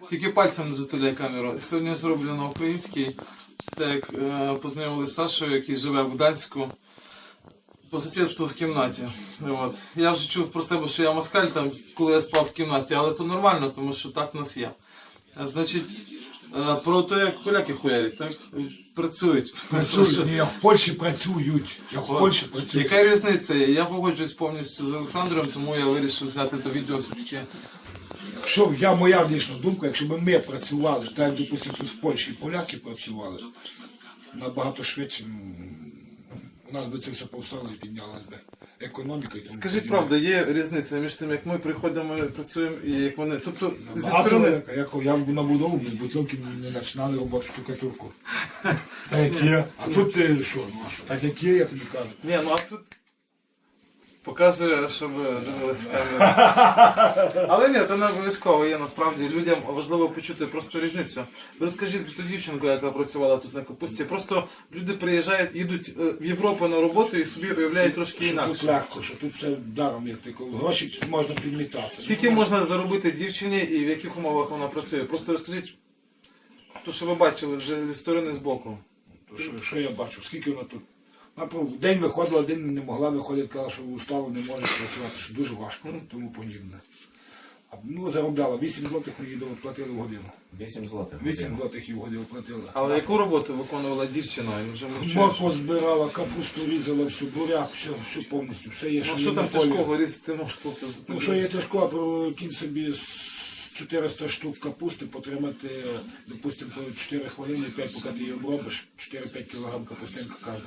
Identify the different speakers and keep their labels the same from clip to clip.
Speaker 1: Тільки пальцем не затуляй камеру. Сьогодні зроблю на українській. Так, познайомилися з Сашою, який живе в Гданську. По сусідству в кімнаті. От. Я вже чув про себе, що я москаль, там, коли я спав в кімнаті, але то нормально, тому що так в нас є. Значить, про те, як поляки хуярять, так? Працюють.
Speaker 2: Працюють. Ні, в Польщі працюють.
Speaker 1: Яка різниця? Я погоджуюсь повністю з Олександром, тому я вирішив зняти то відео все-таки.
Speaker 2: Якщо моя лічна думка, якщо б ми працювали, так як, допустимо, тут в Польщі поляки працювали, набагато швидше у нас би це все повстало і піднялась би економіка.
Speaker 1: Скажіть правду, є різниця між тим, як ми приходимо, працюємо і як вони. Тобто, зі
Speaker 2: Багато
Speaker 1: сторони.
Speaker 2: я на будову без бутилки не починали роботу штукатурку. Так як є. А тут ти що? Так як є, я тобі кажу.
Speaker 1: Ні, ну а тут показує, щоб дивилися камеру. Але ні, це не обов'язково є насправді. Людям важливо почути просто різницю. Ви розкажіть за ту дівчинку, яка працювала тут на капусті. Просто люди приїжджають, їдуть в Європу на роботу і собі уявляють трошки інакше.
Speaker 2: Тут легко, що тут все даром є. Гроші можна підмітати.
Speaker 1: Скільки можна заробити дівчині і в яких умовах вона працює? Просто розкажіть, то, що ви бачили вже зі сторони, з боку.
Speaker 2: Що я бачу? Скільки вона тут? День виходила, день не могла виходити, казала, що устала, не може працювати, що дуже важко, тому подібне. Ну, заробляла. 8 злотих ми їй платили в годину.
Speaker 3: 8 злотих?
Speaker 2: 8 злотих їй в годину платили.
Speaker 1: Але яку роботу виконувала дівчина?
Speaker 2: Моркву збирала, капусту різала, всю, буряк, все повністю. Все є,
Speaker 1: що там тяжкого різати можна?
Speaker 2: Ну, що є тяжко, кінь собі з 400 штук капусти потримати, допустимо, по 4 хвилини, 5, поки ти її обробиш, 4-5 кг капустинка кожна.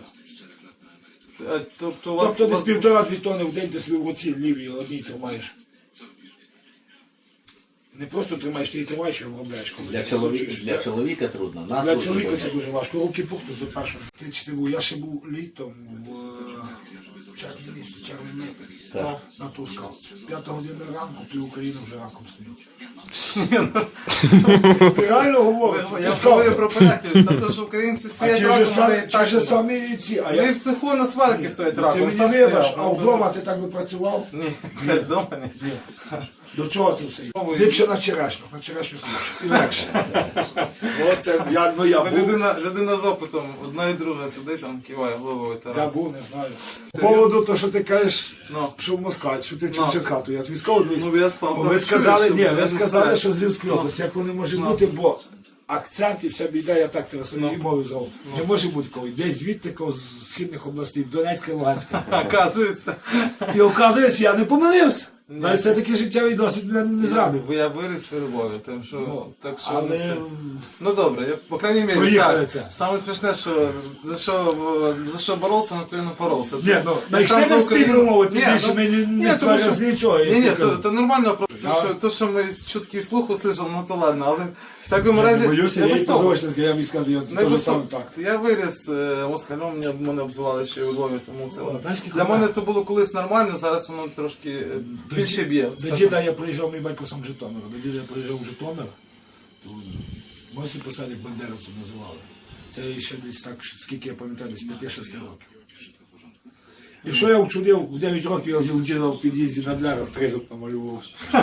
Speaker 1: Тобто
Speaker 2: десь 1,5-2 тонни в день ти свої в оці лівій одній тримаєш. Не просто тримаєш, ти її тримаєш і обробляєш.
Speaker 3: Для чоловіка трудно.
Speaker 2: Для чоловіка це дуже важко. Руки пухнуть за першим. Я ще був літом в червні місяці, на Трускавці. 5 година ранку, пів України вже раком стоїть. Ти реально говориш?
Speaker 1: Я говорю про поляків, на те, що українці стоять раком,
Speaker 2: ті ж самі ці.
Speaker 1: Вони в цеху на сварки стоять раком.
Speaker 2: Ти мені вибач, а вдома ти так би працював?
Speaker 1: Ні, вдома ні.
Speaker 2: До чого це все? Ліпше на черешню краще. І легше. Оце, я був.
Speaker 1: Людина з опитом, одна і друга сидить там, киває головою.
Speaker 2: Я був, не знаю. По поводу того, що ти кажеш, що в Москві, що ти в Черкату. Я тобі сказав, ви сказали, що з Львівської області, як вони може бути, бо акцент і вся біда, я так тебе своєї мови зову. Не може бути коли. Десь звідти, з східних областей, Донецька і Луганська.
Speaker 1: Оказується.
Speaker 2: І оказується, я не помилився. Навіть все-таки життєвий досвід мене не зрадив.
Speaker 1: Бо я виріс у Львові, так що...
Speaker 2: Але...
Speaker 1: Ну добре, по крайній мірі,
Speaker 2: проїхали це.
Speaker 1: Саме смішне, що за що боровся, на то і напоровся.
Speaker 2: Ні, ну, знайшли на спільну мову, тим більше ми не сваримо з нічого.
Speaker 1: Ні, то нормально, то, що ми чутки слуху слышали, ну то ладно, але в всякому разі...
Speaker 2: Боюся, я і позорочник, я мені скажу, я теж сам так.
Speaker 1: Я виріс москалем, мене обзивали ще і у Львові, тому це... Для мене то було колись нормально, зараз воно трошки... більше б'є.
Speaker 2: До діда я приїжджав, мій батько сам в Житомир. До діда я приїжджав в Житомир, мосі посадок бандеровців називали. Це ще десь так, скільки я пам'ятаю, десь 5-6 років. І що я вчудив, в 9 років я вже у діда в під'їзді на дверях тризок намалював.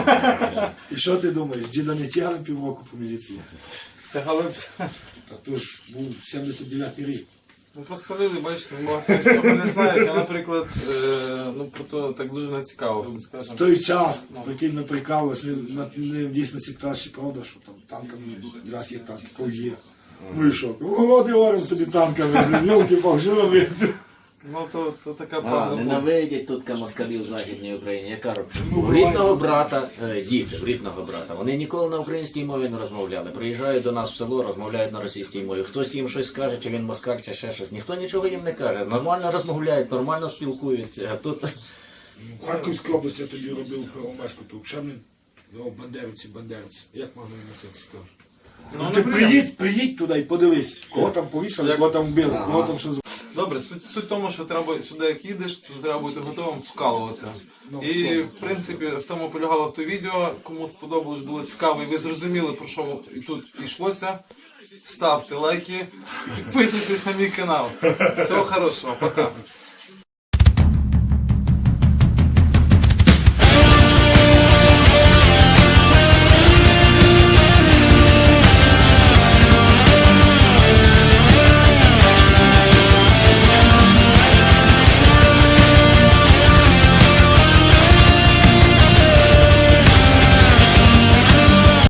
Speaker 2: І що ти думаєш, діда не тягли півроку по міліції?
Speaker 1: Тягали б.
Speaker 2: Та то ж був 79-й рік.
Speaker 1: Ну просто люди, бачите, багато не знають, я, наприклад, про то так дуже не цікаво, скажімо.
Speaker 2: В той час, прикинь, ми прикалувалися, не в дійсності краще правда, що там танками, раз є танки, то є. Ну і що? Голоди говоримо собі танками, йолки-пал, що робити?
Speaker 1: Ну то така правда.
Speaker 3: Ненавидять тут москалів в Західній Україні. Я кажу, в рідного брата, діти, в рідного брата, вони ніколи на українській мові не розмовляли. Приїжджають до нас в село, розмовляють на російській мові. Хтось їм щось скаже, чи він москаль, чи ще щось. Ніхто нічого їм не каже. Нормально розмовляють, нормально спілкуються. А тут...
Speaker 2: В Харківській області я тоді робив Первомайську, то Шемлін звав бандерівці. Як можна їм носити, скажу? Ну ти приїдь туди і подивись, кого там повісили, кого там вбили, кого там що...
Speaker 1: Добре, суть в тому, що треба сюди, як їдеш, то треба бути готовим вкалувати. І, в принципі, в тому полягало в то відео, кому сподобалось, було цікаво, і ви зрозуміли, про що тут йшлося. Ставте лайки, підписуйтесь на мій канал. Всього хорошого, пока.